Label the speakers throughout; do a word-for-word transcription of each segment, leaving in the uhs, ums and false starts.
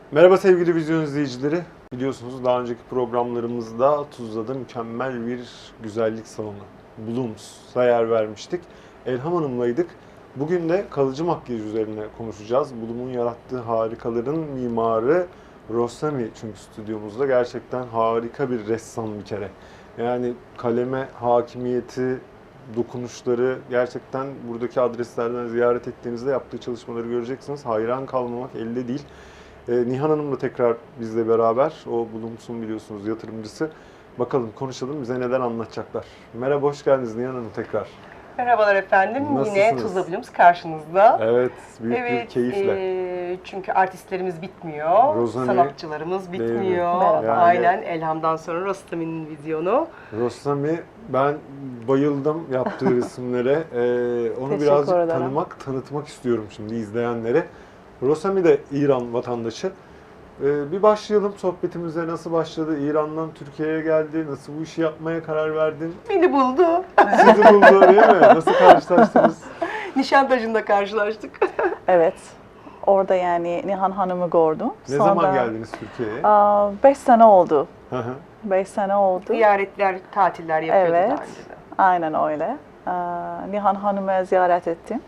Speaker 1: Merhaba sevgili vizyon izleyicileri. Biliyorsunuz daha önceki programlarımızda Tuzla'da mükemmel bir güzellik salonu Blooms'a yer vermiştik. Elham Hanım'laydık. Bugün de kalıcı makyaj üzerine konuşacağız. Bloom'un yarattığı harikaların mimarı Rossami çünkü stüdyomuzda gerçekten harika bir ressam bir kere. Yani kaleme hakimiyeti, dokunuşları gerçekten buradaki adreslerden ziyaret ettiğinizde yaptığı çalışmaları göreceksiniz. Hayran kalmamak elde değil. Ee, Nihan Hanım da tekrar bizle beraber. O Blooms'un biliyorsunuz yatırımcısı. Bakalım konuşalım bize neler anlatacaklar. Merhaba, hoş geldiniz Nihan Hanım tekrar.
Speaker 2: Merhabalar efendim.
Speaker 1: Nasılsınız?
Speaker 2: Yine Tuzla Bloom's karşınızda.
Speaker 1: Evet, büyük
Speaker 2: evet,
Speaker 1: bir keyifle.
Speaker 2: E, çünkü artistlerimiz bitmiyor,
Speaker 1: Rossami,
Speaker 2: sanatçılarımız bitmiyor.
Speaker 1: Yani,
Speaker 2: Aynen, Elham'dan sonra Rossami'nin vizyonu.
Speaker 1: Rossami, ben bayıldım yaptığı resimlere. Ee, onu
Speaker 3: Teşekkür
Speaker 1: birazcık
Speaker 3: ederim.
Speaker 1: tanımak, tanıtmak istiyorum şimdi izleyenlere. Rossami de İran vatandaşı. Ee, bir başlayalım sohbetimize. Nasıl başladı? İran'dan Türkiye'ye geldi. Nasıl bu işi yapmaya karar verdin?
Speaker 2: Beni buldu.
Speaker 1: Sizi buldu değil mi? Nasıl karşılaştınız?
Speaker 2: Nişantaşı'nda karşılaştık.
Speaker 3: Evet. Orada yani Nihan Hanım'ı gördüm.
Speaker 1: Ne zaman geldiniz Türkiye'ye?
Speaker 3: Aa, beş sene oldu.
Speaker 1: Hı hı.
Speaker 3: Beş sene oldu.
Speaker 2: Ziyaretler, tatiller yapıyordu
Speaker 3: Evet.
Speaker 2: daha önce de.
Speaker 3: Aynen öyle. Aa, Nihan Hanım'ı ziyaret ettim.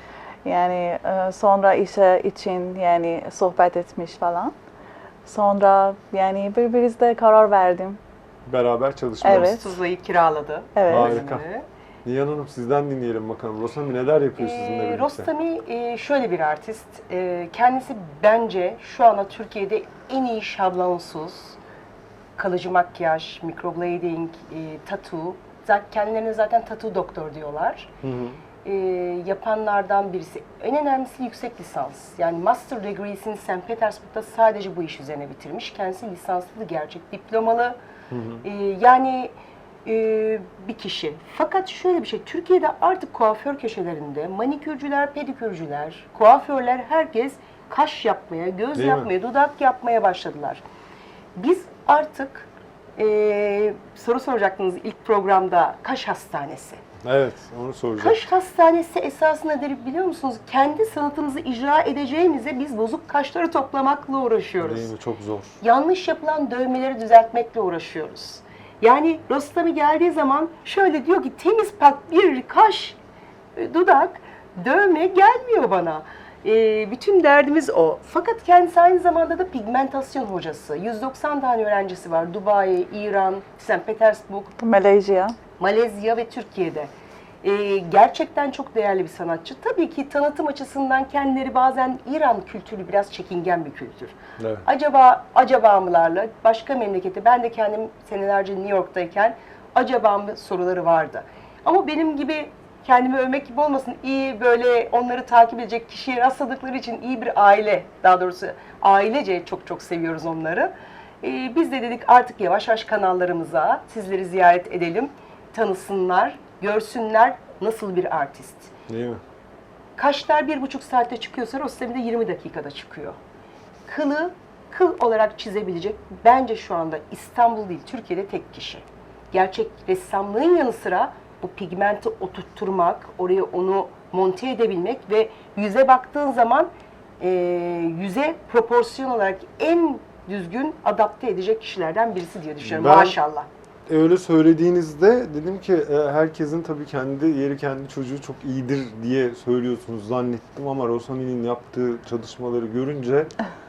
Speaker 3: Yani e, sonra işe için yani sohbet etmiş falan. Sonra yani birbirimizle karar verdim.
Speaker 1: Beraber çalışmamız.
Speaker 3: Evet.
Speaker 2: Tuzla'yı kiraladı.
Speaker 3: Evet.
Speaker 1: Harika. Nihan Hanım sizden dinleyelim bakalım. Rossami neler yapıyor sizinle
Speaker 2: Ee,
Speaker 1: birlikte?
Speaker 2: Rossami e, şöyle bir artist. E, kendisi bence şu anda Türkiye'de en iyi şablonsuz kalıcı makyaj, microblading, e, tattoo. Zaten kendilerine zaten tattoo doktor diyorlar.
Speaker 1: Hı hı.
Speaker 2: E, yapanlardan birisi. En önemlisi yüksek lisans. Yani master degree'sini Saint Petersburg'da sadece bu iş üzerine bitirmiş. Kendisi lisanslı, gerçek diplomalı.
Speaker 1: Hı hı.
Speaker 2: E, yani e, bir kişi. Fakat şöyle bir şey, Türkiye'de artık kuaför köşelerinde manikürcüler, pedikürcüler, kuaförler herkes kaş yapmaya, göz
Speaker 1: Değil mi?
Speaker 2: yapmaya, dudak yapmaya başladılar. Biz artık e, soru soracaktınız ilk programda, kaş hastanesi.
Speaker 1: Evet, onu soracağım.
Speaker 2: Kaş hastanesi esasında nedir biliyor musunuz? Kendi sanatımızı icra edeceğimize biz bozuk kaşları toplamakla uğraşıyoruz.
Speaker 1: Değil mi? Çok zor.
Speaker 2: Yanlış yapılan dövmeleri düzeltmekle uğraşıyoruz. Yani Rossami geldiği zaman şöyle diyor ki temiz pak bir kaş, e, dudak, dövme gelmiyor bana. E, bütün derdimiz o. Fakat kendisi aynı zamanda da pigmentasyon hocası. yüz doksan tane öğrencisi var. Dubai, İran, Saint Petersburg,
Speaker 3: Malezya.
Speaker 2: Malezya ve Türkiye'de. Ee, gerçekten çok değerli bir sanatçı. Tabii ki tanıtım açısından kendileri bazen İran kültürü biraz çekingen bir kültür.
Speaker 1: Evet.
Speaker 2: Acaba acaba mılarla başka memlekete, ben de kendim senelerce New York'tayken acaba mı soruları vardı. Ama benim gibi kendimi övmek gibi olmasın, iyi böyle onları takip edecek kişiye rastladıkları için iyi bir aile, daha doğrusu ailece çok çok seviyoruz onları. Ee, biz de dedik artık yavaş yavaş kanallarımıza sizleri ziyaret edelim, tanısınlar, görsünler nasıl bir artist.
Speaker 1: Değil mi?
Speaker 2: Kaşlar bir buçuk saatte çıkıyorsa Rossami de yirmi dakikada çıkıyor. Kılı kıl olarak çizebilecek bence şu anda İstanbul değil Türkiye'de tek kişi. Gerçek ressamlığın yanı sıra bu pigmenti oturtturmak, oraya onu monte edebilmek ve yüze baktığın zaman e, yüze proporsiyon olarak en düzgün adapte edecek kişilerden birisi diye düşünüyorum.
Speaker 1: Ben-
Speaker 2: Maşallah.
Speaker 1: Öyle söylediğinizde dedim ki e, herkesin tabii kendi yeri, kendi çocuğu çok iyidir diye söylüyorsunuz zannettim ama Rossami'nin yaptığı çalışmaları görünce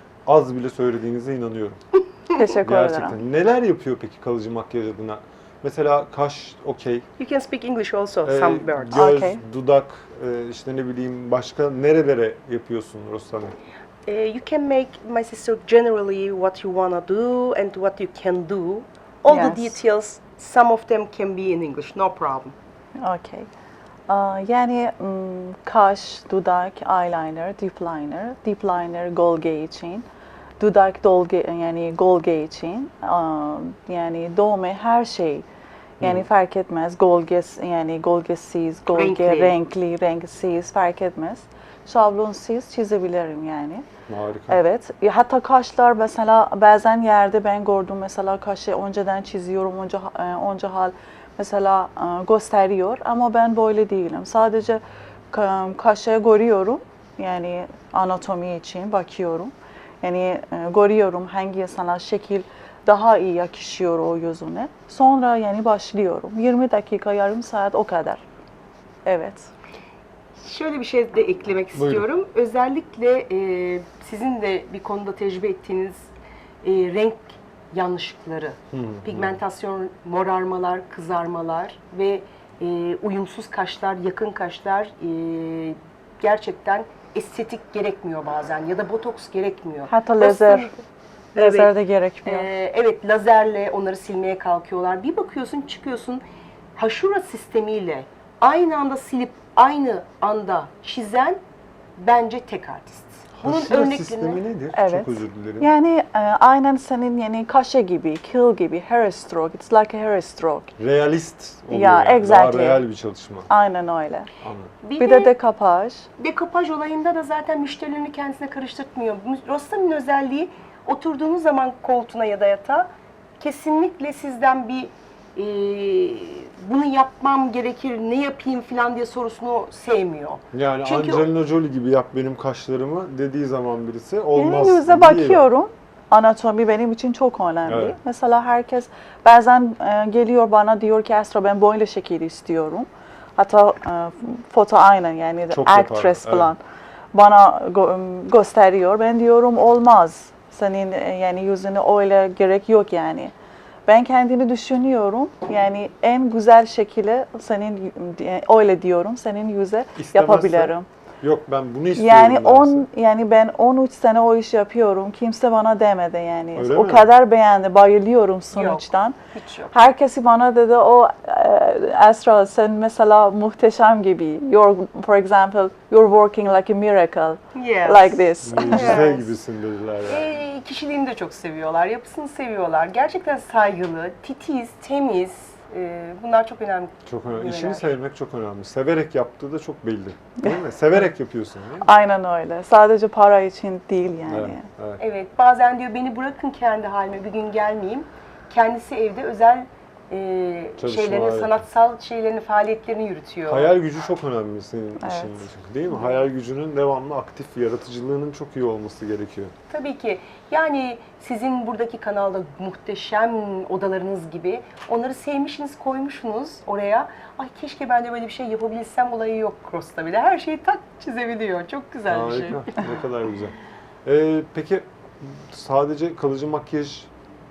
Speaker 1: az bile söylediğinize inanıyorum.
Speaker 3: Teşekkür ederim.
Speaker 1: Gerçekten. Neler yapıyor peki kalıcı makyaj adına? Mesela kaş okey,
Speaker 2: You can speak English also,
Speaker 1: e,
Speaker 2: some words.
Speaker 1: göz,
Speaker 3: Okay.
Speaker 1: dudak, e, işte ne bileyim başka nerelere yapıyorsun Rossami?
Speaker 2: Uh, you can make, my sister, generally what you wanna do and what you can do. All the
Speaker 3: Yes.
Speaker 2: details, some of them can be in English, no problem.
Speaker 3: Okay. Aa, yani mm, kaş, dudak, eyeliner, deep liner, deep liner gölge için, dudak dolge yani gölge için, aa, yani dövme her şey. Yani fark etmez. Gölges yani gölgesiz, gölge
Speaker 2: Renkli.
Speaker 3: renkli, renksiz fark etmez. Şablonsuz çizebilirim yani.
Speaker 1: Harika.
Speaker 3: Evet. Ya hatta kaşlar mesela bazen yerde ben gördüm mesela kaşı önceden çiziyorum, önce e, önce hal mesela e, gösteriyor ama ben böyle değilim. Sadece ka- kaşı görüyorum yani anatomi için bakıyorum. Yani e, görüyorum hangi sana şekil daha iyi yakışıyor o yüzüne. Sonra yani başlıyorum. yirmi dakika, yarım saat o kadar. Evet.
Speaker 2: Şöyle bir şey de eklemek
Speaker 1: Buyurun.
Speaker 2: istiyorum. Özellikle e, sizin de bir konuda tecrübe ettiğiniz e, renk yanlışlıkları,
Speaker 1: Hmm,
Speaker 2: pigmentasyon, morarmalar, kızarmalar ve e, uyumsuz kaşlar, yakın kaşlar e, gerçekten estetik gerekmiyor bazen ya da botoks gerekmiyor.
Speaker 3: Hatta lazer,
Speaker 2: Evet.
Speaker 3: lazer de gerekmiyor.
Speaker 2: Ee, evet, lazerle onları silmeye kalkıyorlar. Bir bakıyorsun, çıkıyorsun, haşura sistemiyle aynı anda silip aynı anda çizen bence tek artist.
Speaker 1: Haşire sistemi nedir?
Speaker 3: Evet.
Speaker 1: Çok özür dilerim.
Speaker 3: Yani e, aynen senin yani kaşe gibi, kıl gibi, hair stroke. It's like a hair stroke.
Speaker 1: Realist oluyor
Speaker 3: Ya,
Speaker 1: yani.
Speaker 3: exactly.
Speaker 1: Daha real bir çalışma.
Speaker 3: Aynen öyle.
Speaker 1: Anladım.
Speaker 2: Bir,
Speaker 3: Bir
Speaker 2: de,
Speaker 3: de dekapaj.
Speaker 2: dekopaj olayında da zaten müşterilerini kendisine karıştırtmıyor. Rostam'ın özelliği oturduğunuz zaman koltuğuna ya da yatağa kesinlikle sizden bir e, bunu yapmam gerekir, ne yapayım falan diye sorusunu sevmiyor.
Speaker 1: Yani
Speaker 2: Çünkü
Speaker 1: Angelina Jolie gibi yap benim kaşlarımı dediği zaman birisi
Speaker 3: Yani
Speaker 1: olmaz.
Speaker 3: yüze
Speaker 1: değil.
Speaker 3: bakıyorum. Anatomi benim için çok önemli.
Speaker 1: Evet.
Speaker 3: Mesela herkes bazen e, geliyor bana diyor ki Esra ben böyle şekil istiyorum. Hatta e, foto aynen yani
Speaker 1: Çok yapar,
Speaker 3: actress
Speaker 1: evet.
Speaker 3: falan bana gö- gösteriyor. Ben diyorum olmaz. Senin e, yani yüzüne öyle gerek yok yani. Ben kendini düşünüyorum. Yani en güzel şekilde senin e, öyle diyorum. Senin yüze
Speaker 1: İstemezse,
Speaker 3: yapabilirim.
Speaker 1: Yok ben bunu istiyorum
Speaker 3: Yani
Speaker 1: derse.
Speaker 3: on yani ben on üç sene o iş yapıyorum. Kimse bana demedi yani.
Speaker 1: Öyle
Speaker 3: o
Speaker 1: mi?
Speaker 3: kadar beğendi. Bayılıyorum sonuçtan.
Speaker 2: hiç yok.
Speaker 3: Herkesi bana dedi o e, Esra sen mesela muhteşem gibi. You're for example you're working like a miracle.
Speaker 2: Yes.
Speaker 3: Like this.
Speaker 1: Mucize
Speaker 2: Evet.
Speaker 1: gibisin dediler yani.
Speaker 2: E, kişiliğini de çok seviyorlar, yapısını seviyorlar. Gerçekten saygılı, titiz, temiz. E, bunlar çok önemli.
Speaker 1: Çok önemli.
Speaker 2: Neler?
Speaker 1: İşini sevmek çok önemli. Severek yaptığı da çok belli. Değil mi? Severek yapıyorsun değil mi?
Speaker 3: Aynen öyle. Sadece para için değil yani.
Speaker 1: Evet, evet.
Speaker 2: Evet, bazen diyor beni bırakın kendi halime, bir gün gelmeyeyim. Kendisi evde özel e,
Speaker 1: Çalışma,
Speaker 2: şeylerini,
Speaker 1: evet.
Speaker 2: sanatsal şeylerini, faaliyetlerini yürütüyor.
Speaker 1: Hayal gücü çok önemli senin
Speaker 3: Evet.
Speaker 1: işinde. Değil mi? Hayal gücünün devamlı aktif, yaratıcılığının çok iyi olması gerekiyor.
Speaker 2: Tabii ki. Yani sizin buradaki kanalda muhteşem odalarınız gibi onları sevmişsiniz, koymuşsunuz oraya. Ay keşke ben de böyle bir şey yapabilsem olayı yok Cross'ta bile. Her şeyi tak çizebiliyor. Çok güzel bir şey.
Speaker 1: Harika. Ne kadar güzel. Ee, peki sadece kalıcı makyajla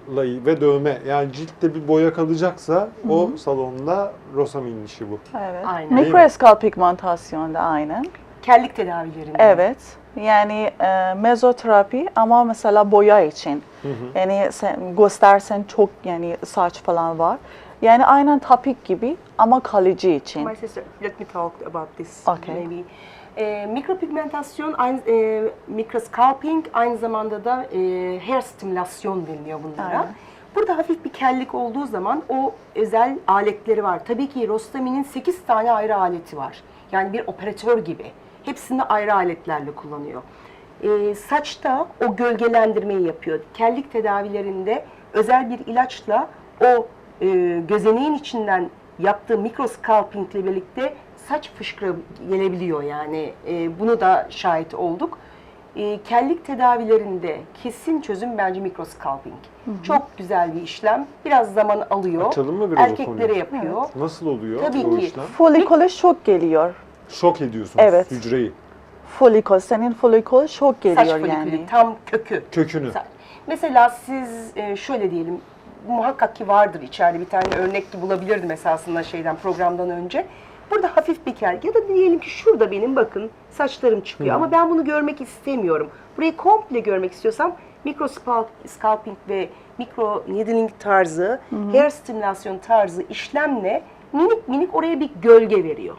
Speaker 1: ve dövme yani ciltte bir boya kalacaksa o salonda Rosamind'in işi bu.
Speaker 3: Evet.
Speaker 2: Aynen.
Speaker 3: Mikroskal pigmentasyon da aynen.
Speaker 2: Kellik tedavilerinde.
Speaker 3: Evet. Yani e, mezoterapi ama mesela boya için.
Speaker 1: Hı hı.
Speaker 3: Yani sen göstersen çok yani saç falan var. Yani aynen tapik gibi ama kalıcı için.
Speaker 2: My sister, let me talk about this
Speaker 3: Okay.
Speaker 2: maybe. E, mikropigmentasyon, aynı, e, mikroscalping aynı zamanda da e, hair stimülasyon deniliyor bunlara.
Speaker 3: Aynen.
Speaker 2: Burada hafif bir kellik olduğu zaman o özel aletleri var. Tabii ki Rostami'nin sekiz tane ayrı aleti var. Yani bir operatör gibi. Hepsini ayrı aletlerle kullanıyor. E, saçta o gölgelendirmeyi yapıyor. Kellik tedavilerinde özel bir ilaçla o e, gözeneğin içinden yaptığı mikroscalping ile birlikte saç fışkırı gelebiliyor yani. E, bunu da şahit olduk. E, kellik tedavilerinde kesin çözüm bence mikroscalping. Çok güzel bir işlem. Biraz zaman alıyor.
Speaker 1: Açalım mı biraz o
Speaker 2: Erkeklere
Speaker 1: konuyu?
Speaker 2: yapıyor.
Speaker 1: Nasıl oluyor
Speaker 2: Tabii
Speaker 1: o
Speaker 2: ki.
Speaker 1: işlem?
Speaker 3: Folikole şok geliyor.
Speaker 1: Şok ediyorsunuz
Speaker 3: Evet.
Speaker 1: hücreyi,
Speaker 3: Folikol, senin folikol şok
Speaker 2: Saç
Speaker 3: geliyor
Speaker 2: folikülü
Speaker 3: yani.
Speaker 2: tam kökü.
Speaker 1: kökünü.
Speaker 2: Mesela siz e, şöyle diyelim, muhakkak ki vardır içeride bir tane örnek ki bulabilirdim esasında şeyden programdan önce. Burada hafif bir kel ya da diyelim ki şurada benim bakın saçlarım çıkıyor ama ben bunu görmek istemiyorum. Burayı komple görmek istiyorsam mikro scalping ve mikro needling tarzı, hair stimülasyon tarzı işlemle minik minik oraya bir gölge veriyor.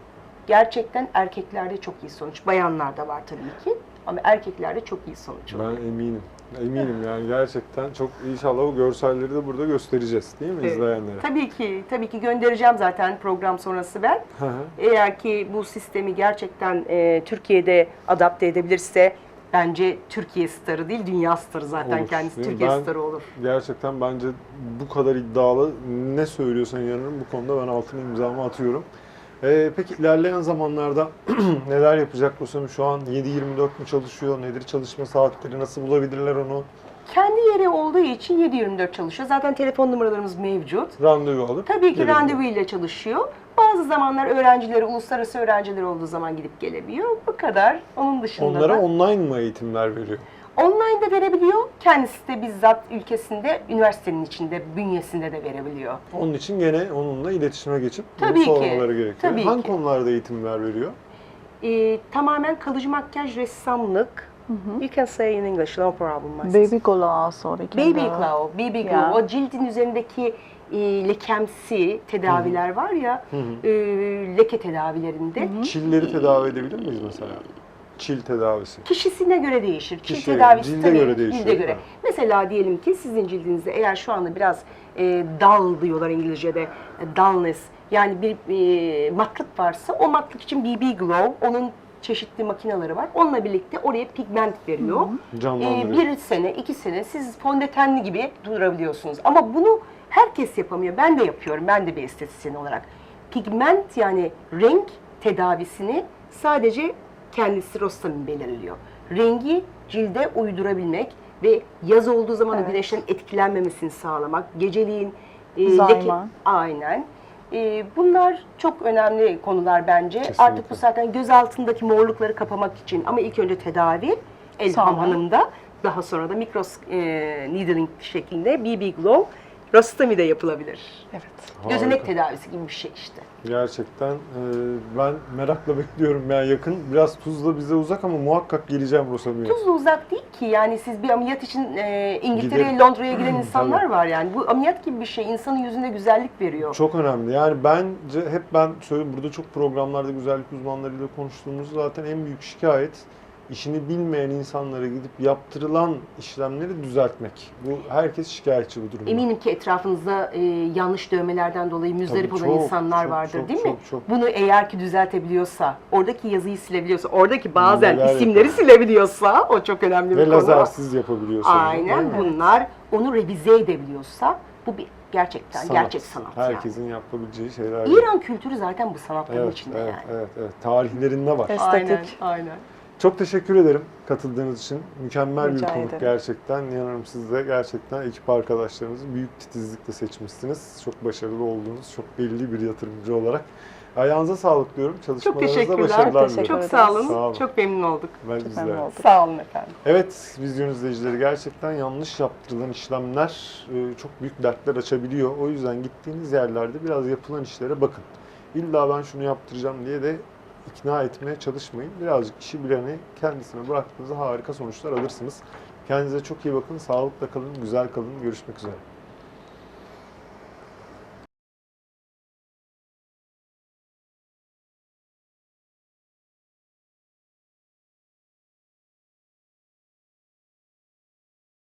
Speaker 2: Gerçekten erkeklerde çok iyi sonuç. Bayanlarda var tabii ki ama erkeklerde çok iyi sonuç oluyor.
Speaker 1: Ben eminim. Eminim yani gerçekten çok inşallah o görselleri de burada göstereceğiz değil mi
Speaker 2: Evet.
Speaker 1: izleyenlere?
Speaker 2: Tabii ki, tabii ki göndereceğim zaten program sonrası ben.
Speaker 1: Hı hı.
Speaker 2: Eğer ki bu sistemi gerçekten e, Türkiye'de adapte edebilirse bence Türkiye starı değil, dünya starı zaten
Speaker 1: Olur,
Speaker 2: kendisi.
Speaker 1: değil mi?
Speaker 2: Türkiye
Speaker 1: Ben-
Speaker 2: starı olur.
Speaker 1: Gerçekten bence bu kadar iddialı ne söylüyorsan inanırım bu konuda ben altına imzamı atıyorum. Ee, peki ilerleyen zamanlarda neler yapacak Rosamü? Şu an yedi yirmi dört mü çalışıyor? Nedir çalışma saatleri? Nasıl bulabilirler onu?
Speaker 2: Kendi yeri olduğu için yedi yirmi dört çalışıyor. Zaten telefon numaralarımız mevcut.
Speaker 1: Randevu alıp
Speaker 2: Tabii ki
Speaker 1: gelebiliyor.
Speaker 2: randevu ile çalışıyor. Bazı zamanlar öğrencileri, uluslararası öğrenciler olduğu zaman gidip gelebiliyor. Bu kadar. Onun dışında
Speaker 1: Onlara
Speaker 2: da
Speaker 1: online mı eğitimler veriyor?
Speaker 2: online de verebiliyor. Kendisi de bizzat ülkesinde, üniversitenin içinde, bünyesinde de verebiliyor.
Speaker 1: Onun için gene onunla iletişime geçip bunu
Speaker 2: Tabii ki,
Speaker 1: sormaları gerekiyor.
Speaker 2: tabii
Speaker 1: Hangi
Speaker 2: ki.
Speaker 1: konularda eğitimler veriyor?
Speaker 2: Ee, tamamen kalıcı makyaj, ressamlık. You can say in English, no problem. my sister.
Speaker 3: Baby glow also. we can
Speaker 2: Baby
Speaker 3: do.
Speaker 2: glow, baby glow.
Speaker 3: Yeah.
Speaker 2: O cildin üzerindeki e, lekemsi tedaviler var ya,
Speaker 1: Hı hı.
Speaker 2: e, leke tedavilerinde.
Speaker 1: Çilleri tedavi edebilir miyiz mesela? Çil tedavisi.
Speaker 2: Kişisine göre değişir. Çil
Speaker 1: Kişi,
Speaker 2: tedavisi
Speaker 1: cilde
Speaker 2: tabii,
Speaker 1: göre değişiyor.
Speaker 2: cilde göre.
Speaker 1: Ha.
Speaker 2: Mesela diyelim ki sizin cildinizde eğer şu anda biraz e, dull diyorlar İngilizce'de, e, dullness, yani bir e, matlık varsa o matlık için B B Glow, onun çeşitli makineleri var. Onunla birlikte oraya pigment veriyor.
Speaker 1: Canlandırıyor.
Speaker 2: E, bir sene, iki sene siz fondötenli gibi durabiliyorsunuz. Ama bunu herkes yapamıyor. Ben de yapıyorum. Ben de bir estetisyen olarak. Pigment yani renk tedavisini sadece kendisi Rostamin belirliyor. Rengi cilde uydurabilmek ve yaz olduğu zaman
Speaker 3: Evet.
Speaker 2: güneşten etkilenmemesini sağlamak, geceliğin e,
Speaker 3: Zayman.
Speaker 2: aynen. E, bunlar çok önemli konular bence.
Speaker 1: Kesinlikle.
Speaker 2: Artık bu zaten göz altındaki morlukları kapamak için ama ilk önce tedavi Elham
Speaker 3: Sonra?
Speaker 2: Hanım'da, daha sonra da mikros e, needling şeklinde B B Glow Rostami de yapılabilir.
Speaker 3: Evet.
Speaker 2: Gözenek
Speaker 1: Harika.
Speaker 2: tedavisi gibi bir şey işte.
Speaker 1: Gerçekten e, ben merakla bekliyorum. Yani yakın, biraz Tuzla bize uzak ama muhakkak geleceğim Rosami'ye.
Speaker 2: Tuzla uzak değil ki, yani siz bir ameliyat için e, İngiltere'ye,
Speaker 1: Gidelim.
Speaker 2: Londra'ya giden insanlar
Speaker 1: Tabii.
Speaker 2: var yani. Bu ameliyat gibi bir şey, insanın yüzüne güzellik veriyor.
Speaker 1: Çok önemli. Yani bence hep ben söylüyorum, burada çok programlarda güzellik uzmanlarıyla konuştuğumuz zaten en büyük şikayet işini bilmeyen insanlara gidip yaptırılan işlemleri düzeltmek. Bu herkes şikayetçi bu durumda.
Speaker 2: Eminim ki etrafınızda e, yanlış dövmelerden dolayı müzdarip
Speaker 1: Tabii,
Speaker 2: olan
Speaker 1: çok,
Speaker 2: insanlar
Speaker 1: çok,
Speaker 2: vardır
Speaker 1: çok,
Speaker 2: değil mi?
Speaker 1: çok, çok.
Speaker 2: Bunu eğer ki düzeltebiliyorsa, oradaki yazıyı silebiliyorsa, oradaki bazen
Speaker 1: Neler
Speaker 2: isimleri
Speaker 1: yapıyor.
Speaker 2: silebiliyorsa, o çok önemli bir
Speaker 1: Ve
Speaker 2: konu.
Speaker 1: lazersiz yapabiliyorsa. bunu,
Speaker 2: Aynen,
Speaker 1: değil mi?
Speaker 2: bunlar onu revize edebiliyorsa bu bir gerçekten
Speaker 1: Sanat.
Speaker 2: gerçek sanat yani.
Speaker 1: Herkesin yapabileceği şeyler.
Speaker 2: İran kültürü zaten bu sanatların
Speaker 1: Evet,
Speaker 2: içinde
Speaker 1: evet,
Speaker 2: yani.
Speaker 1: evet, evet. Tarihlerinde var.
Speaker 3: Evet.
Speaker 2: Aynen,
Speaker 3: Estetik.
Speaker 2: aynen.
Speaker 1: Çok teşekkür ederim katıldığınız için. Mükemmel
Speaker 3: Rica
Speaker 1: bir konuk
Speaker 3: ederim.
Speaker 1: gerçekten. İnanırım siz de gerçekten ekip arkadaşlarınızı büyük titizlikle seçmişsiniz. Çok başarılı olduğunuz, çok belli bir yatırımcı olarak. Ayağınıza sağlık diyorum.
Speaker 2: Çok
Speaker 1: Çalışmalarınızda
Speaker 2: teşekkürler.
Speaker 1: başarılar
Speaker 3: Teşekkür
Speaker 1: diliyorum.
Speaker 2: Çok sağ olun.
Speaker 1: Sağ olun.
Speaker 2: Çok memnun olduk.
Speaker 1: Ben
Speaker 3: Çok
Speaker 1: bizler.
Speaker 3: memnun oldum.
Speaker 2: Sağ olun efendim.
Speaker 1: Evet, vizyon izleyicileri, gerçekten yanlış yaptırılan işlemler e, çok büyük dertler açabiliyor. O yüzden gittiğiniz yerlerde biraz yapılan işlere bakın. İlla ben şunu yaptıracağım diye de ikna etmeye çalışmayın. Birazcık işi bileni kendisine bıraktığınızda harika sonuçlar alırsınız. Kendinize çok iyi bakın, sağlıkla kalın, güzel kalın. Görüşmek üzere.